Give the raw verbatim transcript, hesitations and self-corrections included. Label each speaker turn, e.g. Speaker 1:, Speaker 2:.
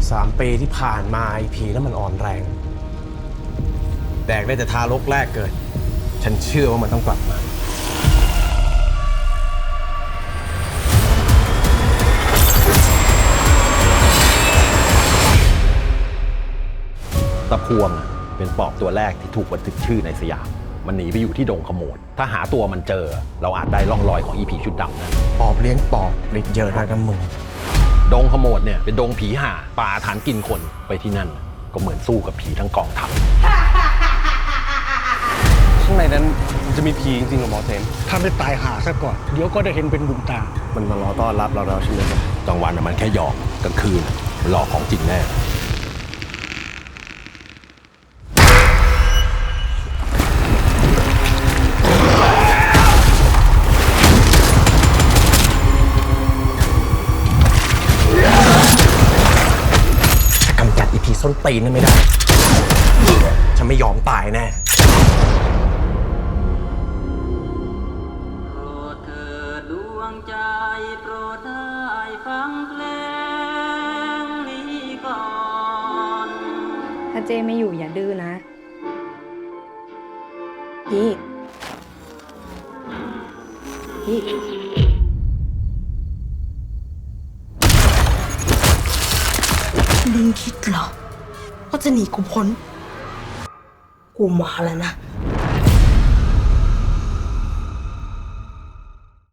Speaker 1: สามปีที่ผ่านมาไอผีนั้นมันอ่อนแรงแดกได้แต่ทารกแรกเกิดฉันเชื่อว่ามันต้องกลับมา
Speaker 2: ตะพวงเป็นปอบตัวแรกที่ถูกบันทึกชื่อในสยามมันหนีไปอยู่ที่ดงขโมดถ้าหาตัวมันเจอเราอาจได้ร่องรอยของอีผีชุดดำนั้น
Speaker 1: ปอบเลี้ยงปอบฤทธิ์เยอะนะกันมึง
Speaker 2: ดงขโมดเนี่ยเป็นดงผีห่าป่าฐานกินคนไปที่นั่นก็เหมือนสู้กับผีทั้งกองทัพ
Speaker 1: ข้างในนั้นมันจะมีผีจริงๆหรอหมอเซน
Speaker 3: ถ้าไม่ตายหาซะก่อนเดี๋ยวก็ได้เห็นเป็นบุญตา
Speaker 1: มันมารอต้อนรับเราแล้วใช่ไหมครับ
Speaker 2: กลางวันมันแค่หยอกกลางคืนมันหลอกของจริงแน่
Speaker 1: กำจัดอีผีส้นตีนนั่นไม่ได้ฉันไม่ยอมตายแน่
Speaker 4: โปรดเถิดดวงใจโปรดได้ฟังเพลงนี้ก่อน
Speaker 5: ถ้าเจไม่อยู่อย่าดื้อนะพี่พี่
Speaker 6: มึงคิดเหรอว่าจะหนีกูพ้น กูมาแล้วนะ